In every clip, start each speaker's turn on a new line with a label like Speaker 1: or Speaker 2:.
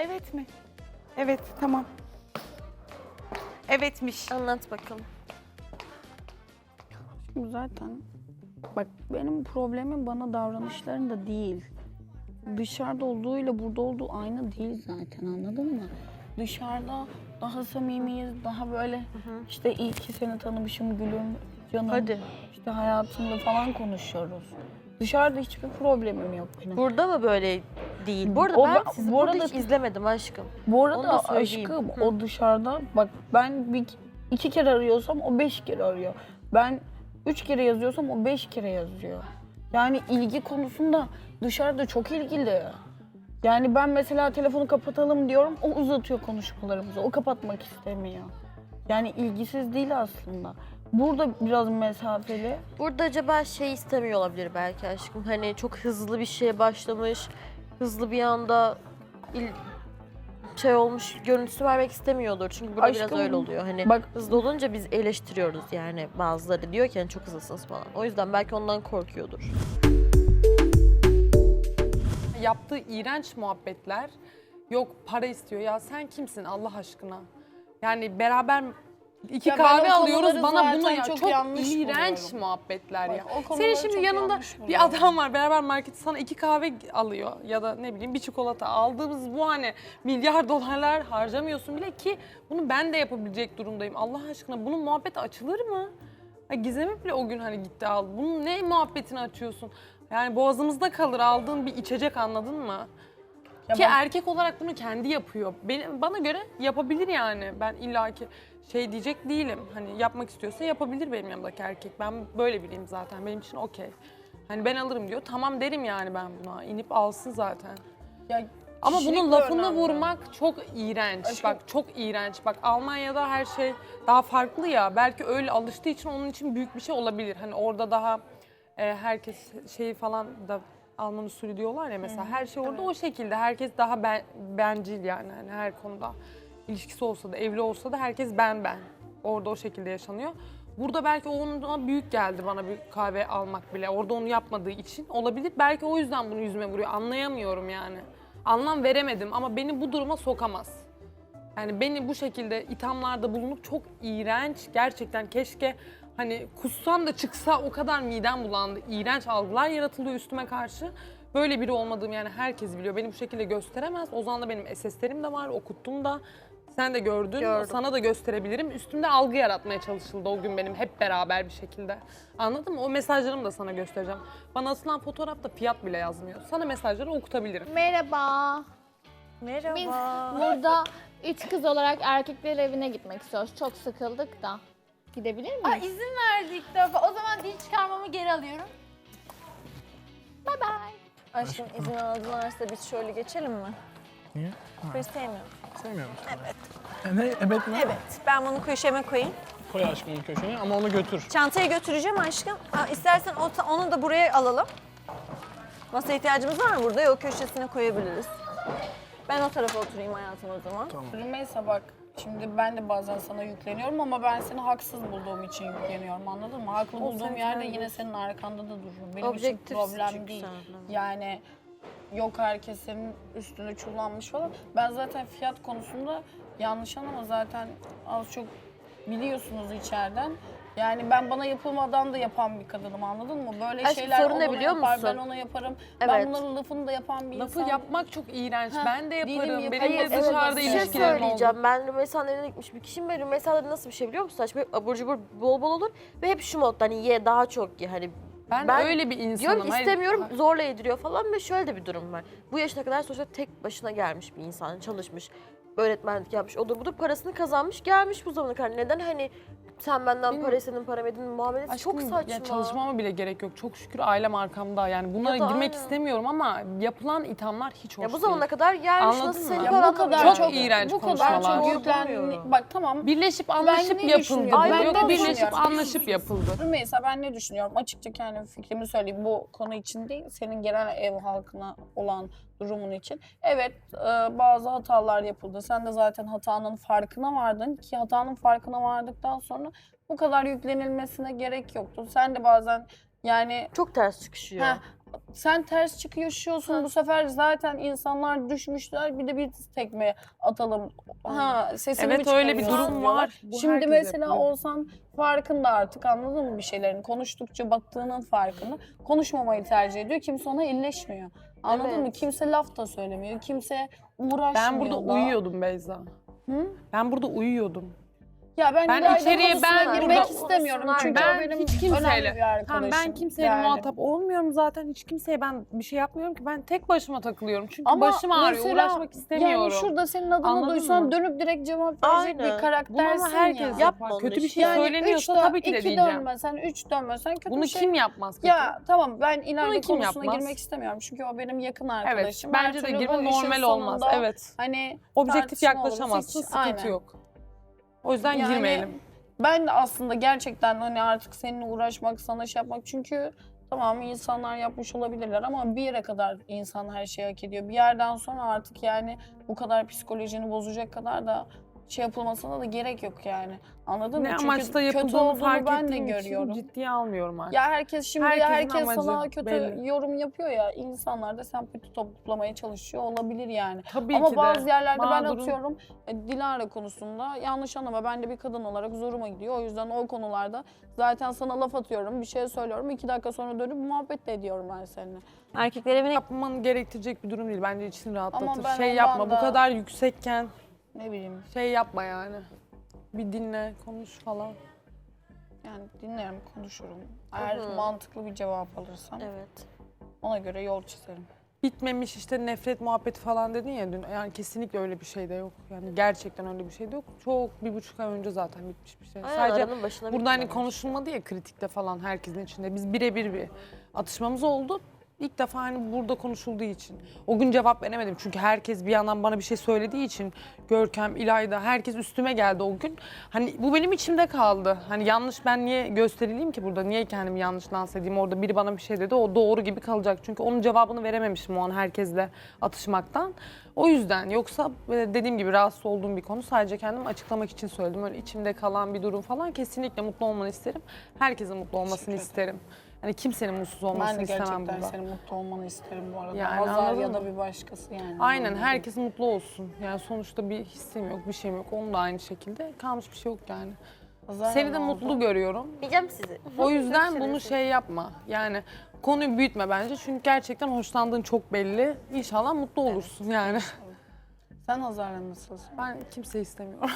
Speaker 1: Evet mi? Evet, tamam. Evetmiş.
Speaker 2: Anlat bakalım.
Speaker 3: Şimdi zaten bak benim problemim bana davranışlarında değil. Dışarıda olduğuyla burada olduğu aynı değil zaten, anladın mı? Dışarıda daha samimiyiz, daha böyle işte iyi ki seni tanımışım gülüm, canım,
Speaker 2: Hadi.
Speaker 3: işte hayatımda falan konuşuyoruz. Dışarıda hiçbir problemim yok benim.
Speaker 2: Burada mı böyle değil? Bu arada
Speaker 3: O-
Speaker 2: ben sizi
Speaker 3: bu
Speaker 2: burada
Speaker 3: arada-
Speaker 2: hiç izlemedim aşkım.
Speaker 3: Bu
Speaker 2: Onu da
Speaker 3: arada
Speaker 2: söyleyeyim.
Speaker 3: aşkım
Speaker 2: Hı.
Speaker 3: o dışarıda bak ben iki kere arıyorsam o 5 kere arıyor. Ben 3 kere yazıyorsam o 5 kere yazıyor. Yani ilgi konusunda dışarıda çok ilgili. Yani ben mesela telefonu kapatalım diyorum, o uzatıyor konuşmalarımızı, o kapatmak istemiyor. Yani ilgisiz değil aslında. Burada biraz mesafeli.
Speaker 2: Burada acaba şey istemiyor olabilir belki aşkım. Hani çok hızlı bir şeye başlamış, hızlı bir anda şey olmuş görüntüsü vermek istemiyordur. Çünkü burada biraz
Speaker 3: Aşkım,
Speaker 2: öyle oluyor. Hani
Speaker 3: bak-
Speaker 2: hızlı olunca biz eleştiriyoruz yani bazıları diyor ki hani çok hızlısınız falan. O yüzden belki ondan korkuyordur.
Speaker 4: Yaptığı iğrenç muhabbetler, yok para istiyor. Ya sen kimsin Allah aşkına? Yani beraber iki
Speaker 3: Ya ben
Speaker 4: kahve
Speaker 3: o
Speaker 4: alıyoruz,
Speaker 3: konuları
Speaker 4: bana bunu
Speaker 3: zaten
Speaker 4: ya
Speaker 3: çok
Speaker 4: çok
Speaker 3: yanlış
Speaker 4: iğrenç
Speaker 3: buluyorum.
Speaker 4: muhabbetler ya.
Speaker 3: Bak, o konuları
Speaker 4: Senin şimdi
Speaker 3: çok
Speaker 4: yanında
Speaker 3: yanlış
Speaker 4: bir
Speaker 3: buluyorum.
Speaker 4: adam var, beraber markete sana 2 kahve alıyor ya da ne bileyim bir çikolata aldığımız bu hani milyar dolarlar harcamıyorsun bile ki bunu ben de yapabilecek durumdayım. Allah aşkına bunun muhabbeti açılır mı? Ya Gizem'e bile o gün hani gitti aldı. Bunun ne muhabbetini açıyorsun? Yani boğazımızda kalır aldığın bir içecek, anladın mı?
Speaker 3: Ya
Speaker 4: Ki
Speaker 3: bak-
Speaker 4: erkek olarak bunu kendi yapıyor. Bana göre yapabilir yani. Ben illaki şey diyecek değilim. Hani yapmak istiyorsa yapabilir benim yanımdaki erkek. Ben böyle biriyim zaten. Benim için okey. Hani ben alırım diyor. Tamam derim yani ben buna. İnip alsın zaten.
Speaker 3: Ya
Speaker 4: Ama
Speaker 3: kişilik
Speaker 4: bunun
Speaker 3: de
Speaker 4: lafını
Speaker 3: önemli.
Speaker 4: vurmak çok iğrenç.
Speaker 3: Aşkım-
Speaker 4: Bak çok iğrenç. Bak Almanya'da her şey daha farklı ya. Belki öyle alıştığı için onun için büyük bir şey olabilir. Hani orada daha herkes şeyi falan da Alman usulü diyorlar ya mesela. Her şey orada o şekilde. Herkes daha bencil yani. Hani her konuda ilişkisi olsa da evli olsa da herkes ben. Orada o şekilde yaşanıyor. Burada belki ona büyük geldi bana bir kahve almak bile. Orada onu yapmadığı için olabilir. Belki o yüzden bunu yüzüme vuruyor. Anlayamıyorum yani. Anlam veremedim ama beni bu duruma sokamaz. Yani beni bu şekilde ithamlarda bulunup çok iğrenç, gerçekten keşke hani kussam da çıksa, o kadar midem bulandı. İğrenç algılar yaratılıyor üstüme karşı. Böyle biri olmadığım yani herkes biliyor. Beni bu şekilde gösteremez. Ozan'da benim SS'lerim de var, okuttum da. Sen de gördün,
Speaker 2: Gördüm.
Speaker 4: sana da gösterebilirim. Üstümde algı yaratmaya çalışıldı o gün benim hep beraber bir şekilde. Anladın mı? O mesajlarımı da sana göstereceğim. Bana atılan fotoğrafta fiyat bile yazmıyor. Sana mesajları okutabilirim.
Speaker 5: Merhaba.
Speaker 2: Merhaba.
Speaker 5: Biz burada 3 kız olarak erkekler evine gitmek istiyoruz. Çok sıkıldık da. Gidebilir miyiz?
Speaker 6: Aa, izin verdi ilk defa. O zaman dil çıkarmamı geri alıyorum.
Speaker 5: Bye bye.
Speaker 2: Aşkım izin aldılarsa biz şöyle geçelim mi?
Speaker 7: Niye?
Speaker 2: Ben sevmiyorum.
Speaker 7: Sevmiyor musun? Evet. Ne? Evet mi?
Speaker 2: Evet. Ben bunu köşeme koyayım.
Speaker 7: Koy aşkım bir köşeye ama onu götür.
Speaker 2: Çantayı götüreceğim aşkım. İstersen onu da buraya alalım. Masa ihtiyacımız var mı burada? Yok, köşesine koyabiliriz. Ben o tarafa oturayım hayatım o zaman.
Speaker 3: Rümeysa bak, şimdi ben de bazen sana yükleniyorum ama ben seni haksız bulduğum için yükleniyorum, anladın mı? Haklı bulduğum
Speaker 2: sen
Speaker 3: yerde
Speaker 2: kendin.
Speaker 3: yine senin arkanda da dururum. Benim
Speaker 2: Objektifsin
Speaker 3: için problem
Speaker 2: çünkü
Speaker 3: değil.
Speaker 2: sen.
Speaker 3: Yani yok herkes senin üstüne çullanmış falan. Ben zaten fiyat konusunda yanlış anlama, zaten az çok biliyorsunuz içeriden. Yani ben bana yapılmadan da yapan bir kadınım, anladın mı? Böyle
Speaker 2: Aşkım,
Speaker 3: şeyler
Speaker 2: sorun ne
Speaker 3: ona
Speaker 2: biliyor
Speaker 3: yapar,
Speaker 2: musun?
Speaker 3: ben ona yaparım.
Speaker 2: Evet.
Speaker 3: Ben bunların lafını da yapan bir
Speaker 4: Lafı
Speaker 3: insan.
Speaker 4: yapmak çok iğrenç.
Speaker 3: Heh,
Speaker 4: Ben de
Speaker 3: değilim,
Speaker 4: yaparım.
Speaker 3: yaparım.
Speaker 4: Benim de
Speaker 3: Evet,
Speaker 4: dışarıda
Speaker 3: bir
Speaker 2: Bir şey
Speaker 4: ilişkilerim oldu.
Speaker 2: söyleyeceğim. Ben Rümeysa'nın evine gitmiş bir kişiyim ve Rümeysa'da nasıl bir şey biliyor musun? Saç böyle abur cubur bol bol olur ve hep şu modda hani ye daha çok ye hani.
Speaker 4: Ben öyle bir insanım.
Speaker 2: Diyorum ki
Speaker 4: Hayır,
Speaker 2: istemiyorum, zorla yediriyor falan ve şöyle de bir durum var. Bu yaşına kadar sonuçta tek başına gelmiş bir insan, çalışmış, öğretmenlik yapmış, odur budur, parasını kazanmış, gelmiş bu zamana kadar. Neden hani sen benden para istedin, para verdin muamelesi
Speaker 4: Aşkım,
Speaker 2: çok saçma.
Speaker 4: ya çalışmama bile gerek yok. Çok şükür ailem arkamda. Yani bunlara
Speaker 2: Ya da
Speaker 4: girmek
Speaker 2: aynen.
Speaker 4: istemiyorum ama yapılan ithamlar hiç hoş
Speaker 2: Ya bu
Speaker 4: değil.
Speaker 2: zamana kadar gelmiş,
Speaker 4: Anladın
Speaker 2: nasıl
Speaker 4: mı?
Speaker 2: senin
Speaker 4: Ya
Speaker 3: bu
Speaker 2: paranla
Speaker 3: kadar
Speaker 4: çok iğrenç
Speaker 3: bu kadar
Speaker 4: konuşmalar.
Speaker 3: çok
Speaker 2: Doğru
Speaker 3: yüklen.
Speaker 2: bulmuyorum.
Speaker 3: Bak tamam.
Speaker 4: Birleşip anlaşıp
Speaker 3: ne
Speaker 4: yapıldı.
Speaker 3: düşünüyorum?
Speaker 2: Ben
Speaker 4: Yok,
Speaker 2: ne
Speaker 4: birleşip
Speaker 3: düşünüyorum?
Speaker 4: anlaşıp yapıldı.
Speaker 3: Rümeysa, ben ne düşünüyorum? Açıkça kendi fikrimi söyleyeyim. Bu konu için değil, senin genel ev halkına olan durumun için. Evet, bazı hatalar yapıldı. Sen de zaten hatanın farkına vardın ki hatanın farkına vardıktan sonra bu kadar yüklenilmesine gerek yoktu. Sen de bazen yani
Speaker 2: Çok ters çıkışıyor.
Speaker 3: sen ters çıkıyorsun bu sefer zaten insanlar düşmüşler bir de bir tekme atalım. Ha sesini
Speaker 4: Evet
Speaker 3: mi
Speaker 4: öyle bir
Speaker 3: çıkarıyorsun
Speaker 4: durum
Speaker 3: diyorlar.
Speaker 4: var. Bu
Speaker 3: Şimdi
Speaker 4: herkes
Speaker 3: mesela
Speaker 4: yapıyor.
Speaker 3: olsan farkında artık anladın mı bir şeylerin? Konuştukça baktığının farkında. Konuşmamayı tercih ediyor. Kimse ona illeşmiyor. Anladın
Speaker 2: Evet.
Speaker 3: mı? Kimse laf da söylemiyor. Kimse uğraşmıyor
Speaker 4: Ben burada
Speaker 3: da.
Speaker 4: uyuyordum Beyza.
Speaker 3: Hı?
Speaker 4: Ben burada uyuyordum.
Speaker 3: Ya ben,
Speaker 4: Ben
Speaker 3: İlayda'nın
Speaker 4: içeriye
Speaker 3: konusuna
Speaker 4: ben
Speaker 3: girmek
Speaker 4: burada-
Speaker 3: istemiyorum. Çünkü
Speaker 4: Ben
Speaker 3: o benim
Speaker 4: hiç kimseyle-
Speaker 3: önemli bir arkadaşım.
Speaker 4: Tamam, ben kimseyle
Speaker 3: Yani.
Speaker 4: muhatap olmuyorum zaten. Hiç kimseye ben bir şey yapmıyorum ki. Ben tek başıma takılıyorum. Çünkü
Speaker 3: Ama
Speaker 4: başım ağrıyor.
Speaker 3: mesela,
Speaker 4: Uğraşmak istemiyorum.
Speaker 3: Yani şurada senin adını
Speaker 4: Anladın
Speaker 3: duysan
Speaker 4: mı?
Speaker 3: dönüp direkt cevap verecek
Speaker 2: Aynen.
Speaker 3: bir karaktersin
Speaker 4: Bunu ama herkes
Speaker 3: ya.
Speaker 2: Yapma
Speaker 4: yapar.
Speaker 2: onu
Speaker 4: Kötü bir
Speaker 2: işte.
Speaker 4: şey
Speaker 3: Yani
Speaker 4: söyleniyorsa
Speaker 3: üç
Speaker 4: tabii ki de
Speaker 3: iki
Speaker 4: diyeceğim.
Speaker 3: dönmesen, 3 dönmesen kötü
Speaker 4: Bunu
Speaker 3: bir şey.
Speaker 4: kim yapmaz kötü?
Speaker 3: Ya tamam ben İlayda
Speaker 4: Bunu kim
Speaker 3: konusuna
Speaker 4: yapmaz?
Speaker 3: girmek istemiyorum. Çünkü o benim yakın
Speaker 4: Evet.
Speaker 3: arkadaşım. Her
Speaker 4: Bence de
Speaker 3: türlü
Speaker 4: girme
Speaker 3: bu işin
Speaker 4: normal olmaz.
Speaker 3: sonunda
Speaker 4: Evet.
Speaker 3: Hani
Speaker 4: Objektif
Speaker 3: tartışma olursa
Speaker 4: yaklaşamazsın.
Speaker 3: hiç-
Speaker 4: Sıkıntı
Speaker 3: aynen.
Speaker 4: yok. O yüzden
Speaker 3: Yani
Speaker 4: girmeyelim.
Speaker 3: Ben de aslında gerçekten hani artık seninle uğraşmak, sana şey yapmak çünkü tamam insanlar yapmış olabilirler ama bir yere kadar insan her şeyi hak ediyor. Bir yerden sonra artık yani bu kadar psikolojini bozacak kadar da şey yapılmasına da gerek yok yani. Anladın mı?
Speaker 4: Ne
Speaker 3: Çünkü
Speaker 4: amaçla
Speaker 3: kötü
Speaker 4: yapıldığını
Speaker 3: olduğunu
Speaker 4: fark
Speaker 3: ben de
Speaker 4: ettiğim için
Speaker 3: görüyorum.
Speaker 4: ciddiye almıyorum artık.
Speaker 3: Ya herkes şimdi
Speaker 4: Herkesin
Speaker 3: herkes sana
Speaker 4: amacı
Speaker 3: kötü
Speaker 4: belli.
Speaker 3: yorum yapıyor ya. İnsanlar da sempati toplamaya çalışıyor olabilir yani.
Speaker 4: Tabii
Speaker 3: Ama
Speaker 4: ki de.
Speaker 3: bazı yerlerde ben
Speaker 4: Mağdurun-
Speaker 3: atıyorum Dilara konusunda yanlış anlama ben de bir kadın olarak zoruma gidiyor. O yüzden o konularda zaten sana laf atıyorum, bir şey söylüyorum. 2 dakika sonra dönüp muhabbet de ediyorum ben seninle.
Speaker 2: Erkekler evine
Speaker 4: Yapman gerektirecek bir durum değil. Bence içini rahatlatır.
Speaker 3: ben
Speaker 4: Şey
Speaker 3: ondan
Speaker 4: yapma.
Speaker 3: da-
Speaker 4: Bu kadar yüksekken
Speaker 3: Ne bileyim
Speaker 4: şey yapma yani. Bir dinle, konuş falan.
Speaker 3: yani dinlerim, konuşurum. Eğer
Speaker 2: Hı hı.
Speaker 3: mantıklı bir cevap alırsam
Speaker 2: Evet.
Speaker 3: ona göre yol çizerim.
Speaker 4: Bitmemiş işte nefret muhabbeti falan dedin ya dün. Yani kesinlikle öyle bir şey de yok. Yani gerçekten öyle bir şey de yok. Çok 1,5 ay önce zaten bitmiş bir şey.
Speaker 2: Aynen,
Speaker 4: Sadece
Speaker 2: aranın başına
Speaker 4: burada hani
Speaker 2: bitmemiş.
Speaker 4: konuşulmadı ya kritikte falan herkesin içinde. Biz birebir bir atışmamız oldu. İlk defa hani burada konuşulduğu için. O gün cevap veremedim çünkü herkes bir yandan bana bir şey söylediği için Görkem, İlayda herkes üstüme geldi o gün. Hani bu benim içimde kaldı. Hani yanlış ben niye gösterileyim ki burada? Niye kendimi yanlış lanse edeyim? Orada biri bana bir şey dedi o doğru gibi kalacak. Çünkü onun cevabını verememişim o an herkesle atışmaktan. O yüzden yoksa dediğim gibi rahatsız olduğum bir konu sadece kendimi açıklamak için söyledim. Öyle içimde kalan bir durum falan kesinlikle mutlu olmanı isterim. Herkesin mutlu olmasını
Speaker 3: Teşekkür
Speaker 4: isterim. Hani kimsenin mutsuz olmasını
Speaker 3: Ben de
Speaker 4: istemem
Speaker 3: gerçekten
Speaker 4: burada.
Speaker 3: senin mutlu olmanı isterim bu arada.
Speaker 4: Yani
Speaker 3: Hazar
Speaker 4: anladın
Speaker 3: ya da
Speaker 4: mı?
Speaker 3: bir başkası yani.
Speaker 4: Aynen
Speaker 3: Anladın mı?
Speaker 4: herkes mutlu olsun. Yani sonuçta bir hissim yok, bir şeyim yok. Onun da aynı şekilde kalmış bir şey yok yani.
Speaker 3: Hazar
Speaker 4: Seni de
Speaker 3: ne
Speaker 4: mutlu
Speaker 3: oldu?
Speaker 4: görüyorum.
Speaker 2: Diyeceğim sizi.
Speaker 4: O yüzden
Speaker 2: Çok
Speaker 4: bunu
Speaker 2: şerefsiz.
Speaker 4: şey yapma. Yani konuyu büyütme bence. Çünkü gerçekten hoşlandığın çok belli. İnşallah mutlu olursun yani.
Speaker 3: Sen Hazar'la nasılsın?
Speaker 4: Ben kimseyi istemiyorum.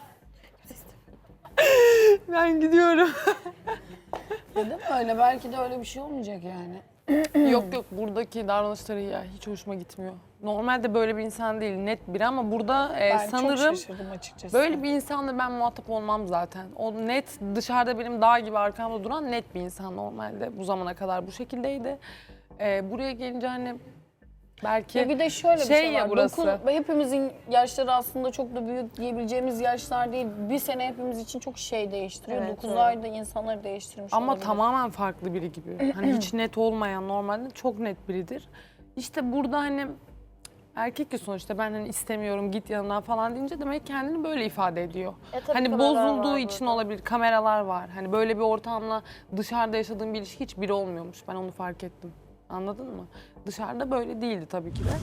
Speaker 4: Ben gidiyorum.
Speaker 3: Değil mi öyle? Belki de öyle bir şey olmayacak yani.
Speaker 4: Yok yok buradaki davranışları ya hiç hoşuma gitmiyor. Normalde böyle bir insan değil net biri ama burada
Speaker 3: Ben çok
Speaker 4: sanırım
Speaker 3: şaşırdım açıkçası.
Speaker 4: böyle bir insanla ben muhatap olmam zaten. O net dışarıda benim dağ gibi arkamda duran net bir insan normalde. Bu zamana kadar bu şekildeydi. Buraya gelince hani belki
Speaker 3: Ya bir de şöyle bir
Speaker 4: şey
Speaker 3: şey
Speaker 4: ya
Speaker 3: var.
Speaker 4: burası.
Speaker 3: Hepimizin yaşları aslında çok da büyük diyebileceğimiz yaşlar değil. Bir sene hepimiz için çok şey değiştiriyor.
Speaker 2: Evet,
Speaker 3: 9
Speaker 2: evet.
Speaker 3: ayda insanları değiştirmiş
Speaker 4: ama
Speaker 3: olabilir.
Speaker 4: tamamen farklı biri gibi. Hani hiç net olmayan normalde çok net biridir. İşte burada hani erkek ya sonuçta ben hani istemiyorum git yanından falan deyince demek kendini böyle ifade ediyor.
Speaker 2: Tabii
Speaker 4: Hani
Speaker 2: kameralar
Speaker 4: bozulduğu
Speaker 2: var
Speaker 4: için
Speaker 2: burada.
Speaker 4: olabilir, kameralar var. Hani böyle bir ortamla dışarıda yaşadığım bir ilişki hiç biri olmuyormuş. Ben onu fark ettim. Anladın mı? Dışarıda böyle değildi tabii ki de.